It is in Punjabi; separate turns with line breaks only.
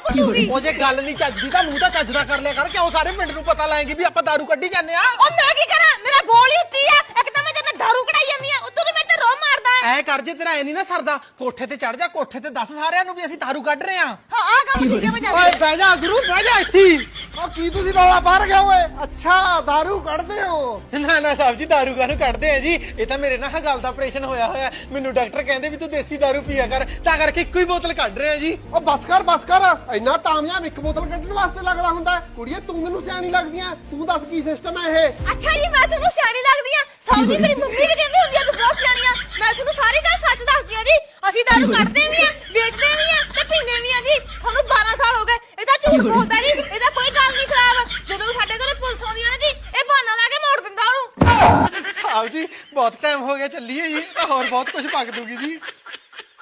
ਕੁੱਟੂਗੀ।
ਉਹ ਜੇ ਗੱਲ ਨਹੀਂ ਚੱਜਦੀ ਤਾਂ ਮੂੰਹ ਤਾਂ ਚੱਜਦਾ ਕਰ ਲਿਆ ਕਰ। ਕਿਉਂ ਸਾਰੇ ਪਿੰਡ ਨੂੰ ਪਤਾ ਲਾਏਗੀ ਵੀ ਆਪਾਂ ਦਾਰੂ ਕੱਢੀ ਜਾਂਦੇ ਆ?
ਉਹ ਮੈਂ ਕੀ ਕਰਾਂ, ਮੇਰਾ ਬੋਲ ਹੀ ਉੱਚੀ ਆ। ਇੱਕ ਤਾਂ ਮੈਂ ਤੇਰੇ ਨਾਲ ਦਾਰੂ ਕਢਾਈ ਜਾਂਦੀ ਆ, ਉੱਤੋਂ ਤੂੰ ਮੇਰੇ ਤੇ ਰੋਹ ਮਾਰਦਾ ਹੈ।
ਐ ਕਰ, ਜੇ ਤੇਰਾ ਐ ਨਹੀਂ ਨਾ ਸਰਦਾ, ਕੋਠੇ ਤੇ ਚੜ ਜਾ, ਕੋਠੇ ਤੇ ਦੱਸ ਸਾਰਿਆਂ ਨੂੰ ਵੀ ਅਸੀਂ ਦਾਰੂ ਕੱਢ ਰਹੇ ਆ।
ਹਾਂ ਆਹ ਕੰਮ ਠੀਕ ਹੈ, ਮੈਂ
ਓਏ
ਜਾਂਦੀ।
ਬਹਿ ਜਾ ਗੁਰੂ, ਬਹਿ ਜਾ ਇੱਥੇ ਹੀ।
ਉਹ ਕੀ ਤੁਸੀਂ ਰੌਲਾ ਬਾਹਰ ਗਿਆ ਓਏ? ਅੱਛਾ ਦਾਰੂ ਕੱਢਦੇ ਹੋ?
ਨਾ ਨਾ ਸਾਹਿਬ ਜੀ, ਦਾਰੂ ਕਾਹਨੂੰ ਕੱਢਦੇ ਆ ਜੀ? ਇਹ ਤਾਂ ਮੇਰੇ ਨਾਲ ਗੱਲ ਦਾ ਆਪਰੇਸ਼ਨ ਹੋਇਆ। ਮੈਨੂੰ ਡਾਕਟਰ ਕਹਿੰਦੇ ਵੀ ਤੂੰ ਦੇਸੀ ਦਾਰੂ ਪੀਆ ਕਰ, ਤਾਂ ਕਰਕੇ ਇੱਕੋ ਹੀ ਬੋਤਲ ਕੱਢ ਰਹੇ ਆ ਜੀ।
ਉਹ ਬਸ ਕਰ ਇੰਨਾ ਤਾਮਯਾਬ ਇੱਕ ਬੋਤਲ ਕੱਢਣ ਵਾਸਤੇ ਲੱਗਦਾ ਹੁੰਦਾ ਹੈ? ਕੁੜੀਏ ਤੂੰ ਮੈਨੂੰ ਸਿਆਣੀ ਲੱਗਦੀ ਆ, ਤੂੰ ਦੱਸ ਕੀ ਸਿਸਟਮ ਹੈ ਇਹ?
ਅੱਛਾ ਜੀ, ਮੈਂ ਤੁਹਾਨੂੰ ਸਿਆਣੀ ਲੱਗਦੀ ਆ? ਸਾਹਿਬ ਜੀ, ਮੇਰੀ ਮੰਮੀ ਵੀ ਕਹਿੰਦੀ ਹੁੰਦੀ ਆ ਤੂੰ ਬਹੁਤ ਸਿਆਣੀ ਆ। ਮੈਂ ਤੁਹਾਨੂੰ ਸਾਰੀ ਗੱਲ ਸੱਚ ਦੱਸਦੀ ਆ ਜੀ। ਅਸੀਂ ਦਾਰੂ ਕੱਢਦੇ ਵੀ ਆ, ਵੇਚਦੇ ਵੀ ਆ ਤੇ ਪੀਂਦੇ ਵੀ ਆ ਜੀ। ਤੁਹਾਨੂੰ 12 ਸਾਲ ਹੋ ਗਏ। ਇਹਦਾ ਝੂਠ ਬੋਲਦਾ ਜੀ, ਇਹਦਾ ਕੋਈ ਗੱਲ ਨਹੀਂ ਖਰਾਬ। ਜਦੋਂ ਵੀ ਸਾਡੇ ਘਰੇ ਪੁਲਿਸ ਆਉਂਦੀ ਆ ਨਾ ਜੀ, ਇਹ ਬਹਾਨਾ ਲਾ ਕੇ ਮੋੜ ਦਿੰਦਾ ਉਹਨੂੰ।
ਸਾਹਿਬ ਜੀ ਬਹੁਤ ਟਾਈਮ ਹੋ ਗਿਆ, ਚੱਲੀਏ ਜੀ, ਤਾਂ ਹੋਰ ਬਹੁਤ ਕੁਝ ਪੱਕ ਦੂਗੀ ਜੀ।